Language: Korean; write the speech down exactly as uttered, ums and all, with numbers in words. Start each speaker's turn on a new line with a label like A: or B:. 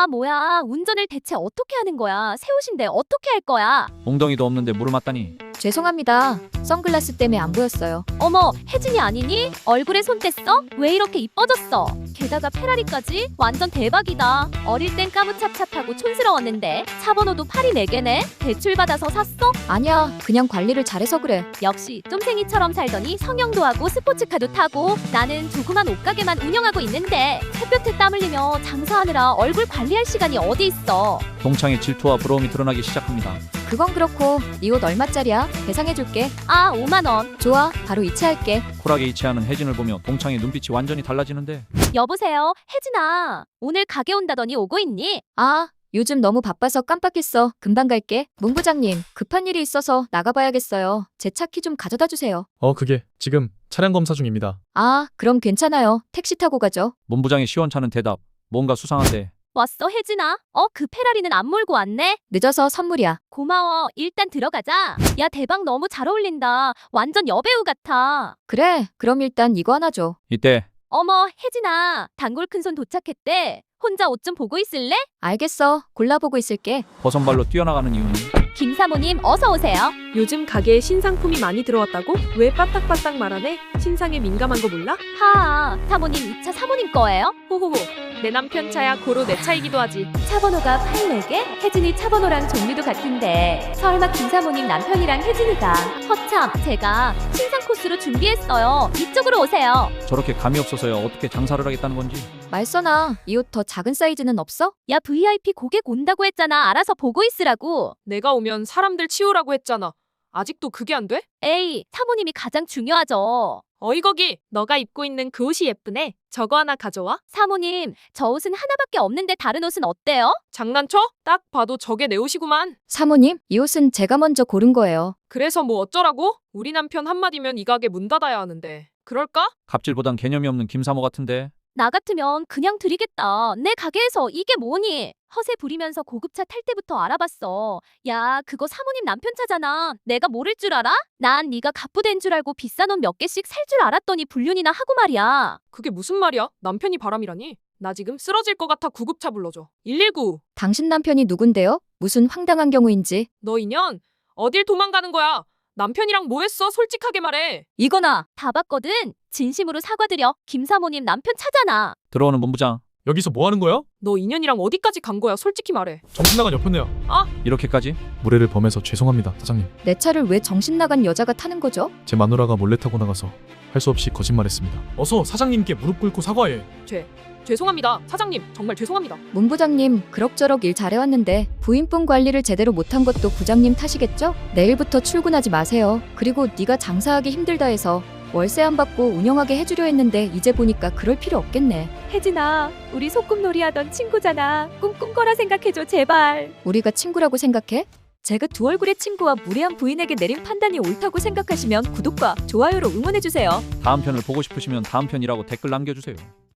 A: 아, 뭐야. 운전을 대체 어떻게 하는 거야? 새 옷인데 어떻게 할 거야?
B: 엉덩이도 없는데 물을 맞다니.
C: 죄송합니다. 선글라스 때문에 안 보였어요.
A: 어머, 혜진이 아니니? 얼굴에 손 뗐어? 왜 이렇게 이뻐졌어? 게다가 페라리까지? 완전 대박이다. 어릴 땐 까무찹찹하고 촌스러웠는데 차 번호도 팔이 네 개네? 대출받아서 샀어?
C: 아니야, 그냥 관리를 잘해서 그래.
A: 역시 쫌생이처럼 살더니 성형도 하고 스포츠카도 타고. 나는 조그만 옷가게만 운영하고 있는데 햇볕에 땀 흘리며 장사하느라 얼굴 관리할 시간이 어디 있어.
B: 동창의 질투와 부러움이 드러나기 시작합니다.
C: 그건 그렇고 이 옷 얼마짜리야? 계산해줄게.
A: 아, 오만 원.
C: 좋아, 바로 이체할게.
B: 쿨하게 이체하는 혜진을 보며 동창의 눈빛이 완전히 달라지는데.
A: 여보세요, 혜진아. 오늘 가게 온다더니 오고 있니?
C: 아, 요즘 너무 바빠서 깜빡했어. 금방 갈게. 문 부장님, 급한 일이 있어서 나가봐야겠어요. 제 차 키 좀 가져다 주세요.
D: 어, 그게 지금 차량 검사 중입니다.
C: 아, 그럼 괜찮아요. 택시 타고 가죠.
B: 문부장의 시원찮은 대답. 뭔가 수상한데.
A: 왔어, 혜진아? 어, 그 페라리는 안 몰고 왔네?
C: 늦어서 선물이야.
A: 고마워. 일단 들어가자. 야, 대박, 너무 잘 어울린다. 완전 여배우 같아.
C: 그래, 그럼 일단 이거 하나 줘.
B: 이때
A: 어머, 혜진아. 단골 큰손 도착했대. 혼자 옷 좀 보고 있을래?
C: 알겠어. 골라보고 있을게.
B: 버선발로 뛰어나가는 이유는
A: 김 사모님, 어서 오세요.
E: 요즘 가게에 신상품이 많이 들어왔다고? 왜 빠딱빠딱 말하네? 신상에 민감한 거 몰라?
A: 하하, 사모님 이 차 사모님 거예요?
E: 호호호. 내 남편 차야 고로 내 차이기도 하지.
A: 차 번호가 팔십사 개? 혜진이 차 번호랑 종류도 같은데 설마 김 사모님 남편이랑 혜진이가. 허참, 제가 신상 코스로 준비했어요. 이쪽으로 오세요.
B: 저렇게 감이 없어서야 어떻게 장사를 하겠다는 건지.
C: 말써나, 이 옷 더 작은 사이즈는 없어?
A: 야, 브이아이피 고객 온다고 했잖아. 알아서 보고 있으라고.
E: 내가 오면 사람들 치우라고 했잖아. 아직도 그게 안 돼?
A: 에이, 사모님이 가장 중요하죠.
E: 어이 거기, 너가 입고 있는 그 옷이 예쁘네. 저거 하나 가져와.
A: 사모님, 저 옷은 하나밖에 없는데 다른 옷은 어때요?
E: 장난쳐? 딱 봐도 저게 내 옷이구만.
C: 사모님, 이 옷은 제가 먼저 고른 거예요.
E: 그래서 뭐 어쩌라고? 우리 남편 한마디면 이 가게 문 닫아야 하는데. 그럴까?
B: 갑질보단 개념이 없는 김사모 같은데.
A: 나 같으면 그냥 드리겠다. 내 가게에서 이게 뭐니? 허세 부리면서 고급차 탈 때부터 알아봤어. 야, 그거 사모님 남편 차잖아. 내가 모를 줄 알아? 난 네가 갑부된 줄 알고 비싼 옷 몇 개씩 살 줄 알았더니 불륜이나 하고 말이야.
E: 그게 무슨 말이야? 남편이 바람이라니? 나 지금 쓰러질 것 같아. 구급차 불러줘. 일일구.
C: 당신 남편이 누군데요? 무슨 황당한 경우인지.
E: 너 인연? 어딜 도망가는 거야? 남편이랑 뭐 했어? 솔직하게 말해.
A: 이거나 다 봤거든. 진심으로 사과드려. 김 사모님 남편 차잖아.
B: 들어오는 문부장.
D: 여기서 뭐 하는 거야?
E: 너 인연이랑 어디까지 간 거야? 솔직히 말해.
D: 정신 나간 여편네요.
B: 이렇게까지?
D: 무례를 범해서 죄송합니다, 사장님.
C: 내 차를 왜 정신 나간 여자가 타는 거죠?
D: 제 마누라가 몰래 타고 나가서 할 수 없이 거짓말했습니다. 어서 사장님께 무릎 꿇고 사과해.
E: 죄. 죄송합니다. 사장님, 정말 죄송합니다.
C: 문 부장님, 그럭저럭 일 잘해왔는데 부인분 관리를 제대로 못한 것도 부장님 탓이겠죠? 내일부터 출근하지 마세요. 그리고 네가 장사하기 힘들다 해서 월세 안 받고 운영하게 해주려 했는데 이제 보니까 그럴 필요 없겠네.
A: 혜진아, 우리 소꿉놀이 하던 친구잖아. 꿈꾼 거라 생각해줘, 제발.
C: 우리가 친구라고 생각해?
A: 제가 두 얼굴의 친구와 무례한 부인에게 내린 판단이 옳다고 생각하시면 구독과 좋아요로 응원해주세요.
B: 다음 편을 보고 싶으시면 다음 편이라고 댓글 남겨주세요.